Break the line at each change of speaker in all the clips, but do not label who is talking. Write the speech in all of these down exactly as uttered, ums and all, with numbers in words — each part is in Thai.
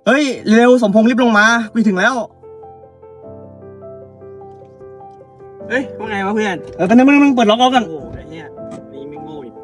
เฮ้ยเร็วสมพงษ์รีบลงมาไปถึงแล้ว
เฮ้ยว่าไงวะเพื่อน
เออตอนนี้มึงมึงเปิดล็อกเอากัน
โอ้ไอ้เนี่ยนี่ไม่โง่อีก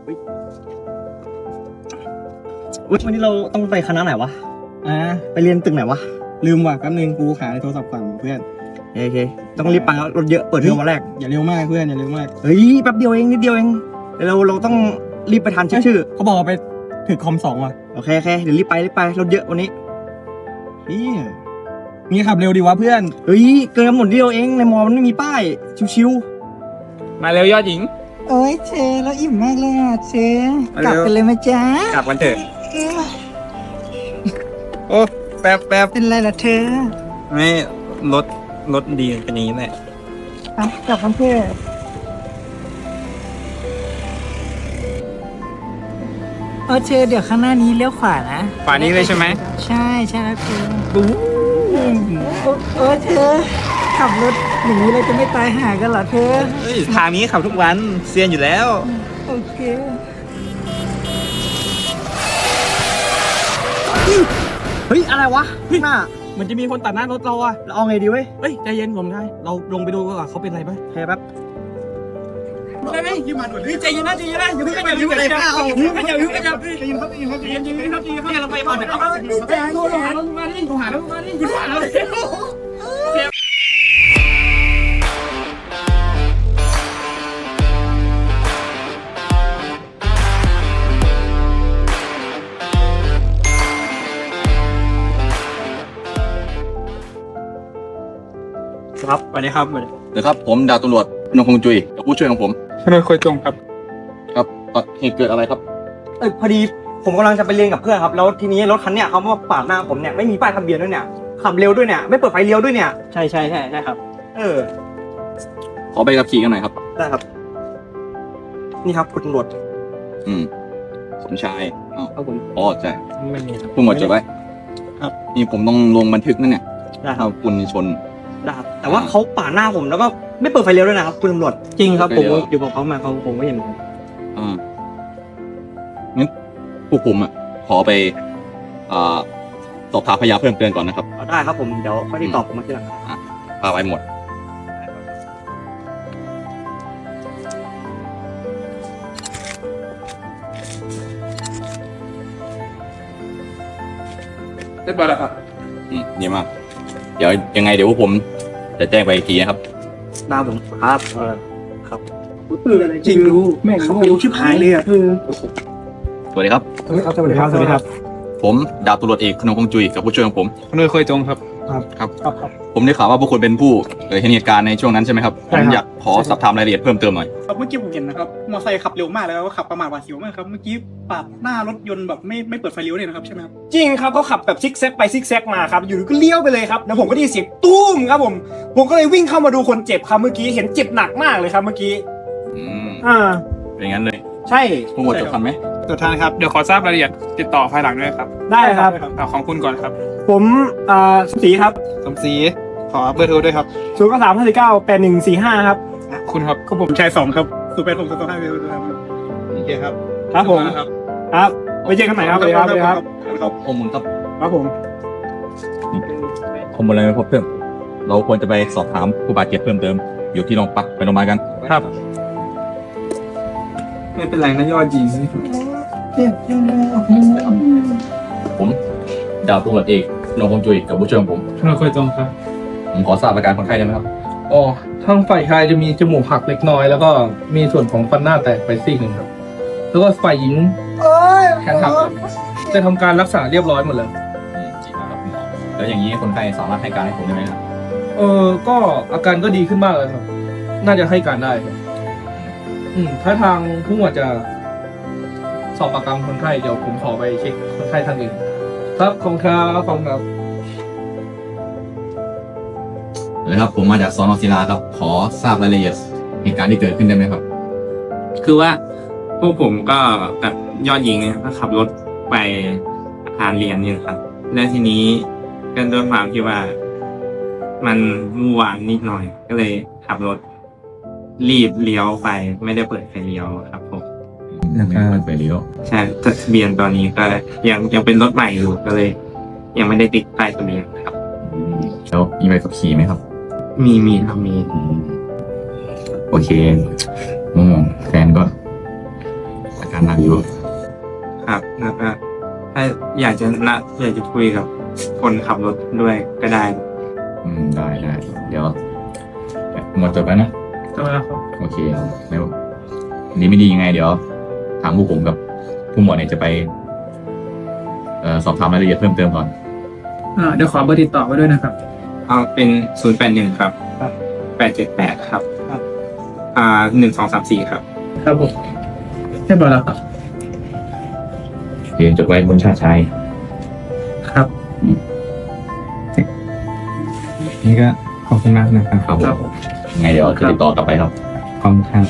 วันนี้เราต้องไปคณะไหนวะ
อ่า
ไปเรียนตึกไหนวะ
ลืมว่ะแป๊บนึงกูหาในโทรศัพท์ก่อนเพื่อน
โอเคต้องรีบไปรถเยอะเปิดเทอมวันแรก
อย่าเร็วมากเพื่อนอย่าเร็วมาก
เฮ้ยแป๊บเดียวเองนิดเดียวเองเราเราต้องรีบไปทันเช็คชื่อ
เขาบอกไปถึงคอมสองว่ะ
โอเคโอเคเดี๋ยวรีบไปรีบไปรถเยอะวันนี้
นี่มีขับเร็วดีวะเพื่อน
เฮ้ยเกินกำหนดเดียวเองในมอมันไม่มีป้ายชิว
ๆมาเร็วยอดหญิง
โอ้ยเชแล้วอิ่มมากเลยอ่ะเชกลับกันเลยไหมจ๊ะ
กลับกันเถอะโอ้แป๊บแป๊บ
เป็นไรล่ะเธอ
ไม่รถรถดีเป็นนี้แหละ
ไปกลับกันเถอะเออเชเดี๋ยวข้างหน้านี้เลี้ยวขวานะ
ขวานี้เลยใช่ไหม
ใช่ใช่แล้วเธอบู๊เออเธอขับรถอย่างนี้เราจะไม่ตายหากันเหรอเธอ
เฮ้ยทางนี้ขับทุกวันเซียนอยู่แล้ว
โอเค
เฮ้ยอะไรวะหน้า
มันจะมีคนตัดหน้ารถเราอะ
เราเอาไงดีเว้ย
เฮ้ยใจเย็นผมได้เราลงไปดูก่อนเขาเป็นอะไรไหม
แค่แป๊บ
ได้ไหมยืมมาด่วนใจเย็นนะใจเย็นนะอย่าเพิ่งอย่าเพิ่งอย่าเพิ่งอย่าเพิ่งอย่าเพิ่งอย่าเพิ่งใจเย็นครับใจเย็นครับใจเย็นใจเย็นครับใจเย็นครับเราไปก่อนเดี๋ยวเราโทรหารถมาดิโทรหารถมาดิโทรหารถครับสวัสดีครับสวัสดี
เดี๋ยวครับผมดาบตำรวจนงคงจุยกับผู้ช่วยของผม
ทนายคอยจงครับ
ครับเหตุเกิดอะไรครับ
เออพอดีผมกำลังจะไปเรียนกับเพื่อนครับแล้วทีนี้รถคันเนี้ยเขามาปาดหน้าผมเนี่ยไม่มีป้ายทะเบียนด้วยเนี่ยขับเร็วด้วยเนี่ยไม่เปิดไฟเลี้ยวด้วยเนี่ย
ใช่ใช่ใช่ใช่ครับ
เออ
ขอใบขับขี่กันหน่อยครับ
ได้ครับนี่ครับคุณตำรวจ
อืมสมชายอ๋อ
ครับผม
อ๋อใช่
ไม่มีครับ
ผู้หมวดจดไว้
ครับ
นี่ผมต้องลงบันทึกนั่นเนี่ย
ได้ครับ
คุณชน
ได้ครับแต่ว่าเขาปาดหน้าผมแล้วก็ไม่เปิดไฟเลี้ยวด้วยนะครับคุณตำรวจ
จริงครับผมอยู่กับเขามาเขาผมก็เห็น
อ่างั้นพวกผมอ่ะขอไปอ่าสอบถามพยานเพิ่มเติมก่อนนะครับ
ได้ครับผมเดี๋ยวค่อยติดต่อผมมาทีหลัง
อ่ะพาไปหมด
เรียบร้อยแล้วครับ
อืมดีมากเดี๋ยวยังไงเดี๋ยวพวกผมจะแจ้งไปอีกทีนะครับ
ได้ผมครับเออครับ
จริงรู้แม่เขารู้ชิบหายเลยอ่ะ
สวัสดีครับ
สวัสดีครับสวัสดีครับสวัสดีครับ
ผมดาบตำรวจเอกขนงคงจุยกับผู้ช่วยของผม
ทนายคอยจงครับ
ครับครับผมได้ข่าวว่าพวกคุณเป็นผู้เห็นเหตุการณ์ในช่วงนั้นใช่ไหมครับผมอยากขอสอบถามรายละเอียดเพิ่มเติมหน่อย
ครับเมื่อกี้ผมเห็นนะครับมอเตอร์ไซค์ขับเร็วมากแล้วก็ขับประมาทหวาดเสียวมากครับเมื่อกี้ปาดหน้ารถยนต์แบบไม่ไม่เปิดไฟเลี้ยวเลยนะครับใช่ไหมครับ
จริงครับเขาขับแบบซิกแซกไปซิกแซกมาครับอยู่ก็เลี้ยวไปเลยครับแล้วผมก็ได้ยินเสียงตุ้มครับผมผมก็เลยวิ่งเข้ามาดูคนเจ็บครับเมื่อกี้เห็นเจ็บหนักมากเลยครับเมื่อกี้
อืม
อ่า
เป็นงั้นเลย
ใช่
ผู้หมวดจดทันไหม
จดทันครับเดี๋ยวขอทราบรายละเอียดติดต่อภายหลังด้วยครับ
ได้ครับ
เอาของคุณก่อนครับ
ผมอ่าสีครับ
สมศรีขอเบอร์โทรด้วยครับ
ศูนย์เก้าสามห้าสี่เก้าแปดหนึ่งสี่ห้าครับ
คุณครับ
ก็ผมชายสองครับศูนย์แปดหกสองห้าเจ็ดครับโอเคครับ
ครับผมครับครับไปเจอกันใหม่ครับสวัสดีครับสวัสดีครับ
ครับข้อมูลครับ
ครับผม
ข้อมูลอะไรเพิ่มเราควรจะไปสอบถามผู้บาดเจ็บเพิ่มเติมอยู่ที่โรงพักไปโรงพยาบาลกัน
ครับไม่เป็นไรนะยอดจริง
ผมดาบตำรวจเอกนงคงจุยกับผู้ช่วยของผม
ทนายคอยจงครับ
ผมขอทราบอาการคนไข้ได้ไหมครับ
อ๋อทางฝ่ายชายจะมีจมูกหักเล็กน้อยแล้วก็มีส่วนของฟันหน้าแตกไปซี่หนึ่งครับแล้วก็ฝ่ายหญิงแขนหักจะทำการรักษาเรียบร้อยหมดแล้ว
แล้วอย่างนี้คนไข้สามารถให้การให้ผมได้ไหมครับ
เออก็อาการก็ดีขึ้นมากเลยครับน่าจะให้การได้ครับอืมถ้าทางผู้หมวดจะสอบปากคำคนไข้เดี๋ยวผมขอไปเช็คคนไข้ท่านอื่นครับขอบคุณครับขอบคุณครับ
เลยครับผมมาจากสน.ศิลาครับขอทราบรายละเอียดเหตุการณ์ที่เกิดขึ้นได้ไหมครับ
คือว่าพวกผมก็กับยอดหญิงเนี่ยก็ขับรถไปอาคารเรียนนี่นะครับแล้วทีนี้ก็ด้วยความที่ว่ามันวุ่นวายนิดหน่อยก็เลยขับรถรีบเลี้ยวไปไม่ได้เปิดไฟเลี้ยวครับผม
ไม่ได้เปิดไฟเลี้ยว
ใช่ทะเบียนตอนนี้ก็ยังยังเป็นรถใหม่อยู่ก็เลยยังไม่ได้ติดป้ายทะเบียนครับ
อืมแล้วมีใบขับขี่ไหมครับ
มีมีครับมี
อืมโอเคอืมแฟนก็อาการหนักอยู่
ครับแล้วก็ถ้าอยากจะละอยากจะคุยกับคนขับรถด้วยก็ได้
อืมได้ได้เดี๋ยวหมดจบแล้วนะ
จบแล้วครับ
โอเคแล้วดีไม่ดียังไง เดี๋ยวทางผู้ผมกับผู้หมวดเนี่ยจะไปเอ่อสอบถามรายละเอียดเพิ่มเติมก่อน
อ่าเดี๋ยวขอเบอร์ติดต่อไว้ด้วยนะครับ
เอาเป็นศูนย์แปดหนึ่งครับแปดเจ็ดแปดครับ
ครับ
อ่าหนึ่งสองสามสี่ครับ
ครับผมเรียบร้อยแล้วครับ
โอเคจดไว้บนชาติชัย
ครับ
นี่ก็ขอบคุณมากนะครับ
ครับผ
ครับ
ม
ผม
ยังไงเดี๋ยวจะติดต่อกลับไปครับ
ขอบคุณครับ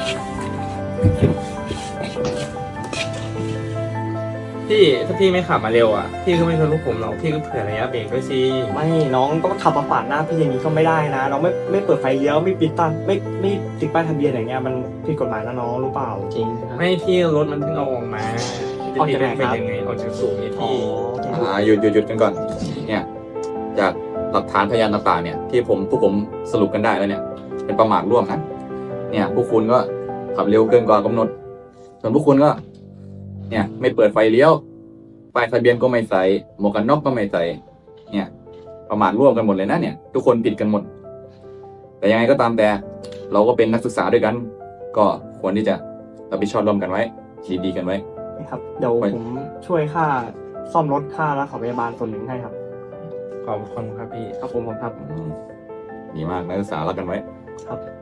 พี่ถ้าพี่ไม่ขับมาเร็วอ่ะพี่ก็ไม่ชนลูกผมหรอกพี่ก็เผื่อระยะเบรกด้วยสิ
ไม่น้องก็ขับมาปาดหน้าพี่อย่างนี้ก็ไม่ได้นะน้องไม่ไม่เปิดไฟเลี้ยวไม่ปิดตันไม่ไม่ติดป้ายทะเบียนอย่างเงี้ยมันผิดกฎหมายนะน้องรู้เปล่าจริง
ไม่พี่รถมันเพิ่งเอาออกมา
ออกจากไหนครับ
จะยังไงออกจากศูนย์เนี่ย
อ๋อ
พี่
อ่าหยุดหยุดหยุดกันก่อน เนี่ย จากหลักฐานพยานต่างๆเนี่ย ที่ผมพวกผมสรุปกันได้แล้วเนี่ย เป็นประมาทร่วมนะเนี่ยพวกคุณก็ขับเร็วเกินกว่ากำหนด ส่วนพวกคุณก็ เนี่ย ไม่เปิดไฟเลี้ยวป้ายทะเบียนก็ไม่ใส่หมวกกันน็อกก็ไม่ใส่เนี่ย ประมาทร่วมกันหมดเลยนะเนี่ย ทุกคนผิดกันหมด แต่ยังไงก็ตามแต่ เราก็เป็นนักศึกษาด้วยกัน ก็ควรที่จะรับผิดชอบร่วมกันไว้ดีๆกันไว้
ครับเดี๋ยวผมช่วยค่าซ่อมรถค่ารักษาพยาบาลส่วนหนึ่งให้ครับ
ขอบคุณครับพี่
ครับผมผมครับ
ดีมากนักศึกษารักกันไว้
ครับ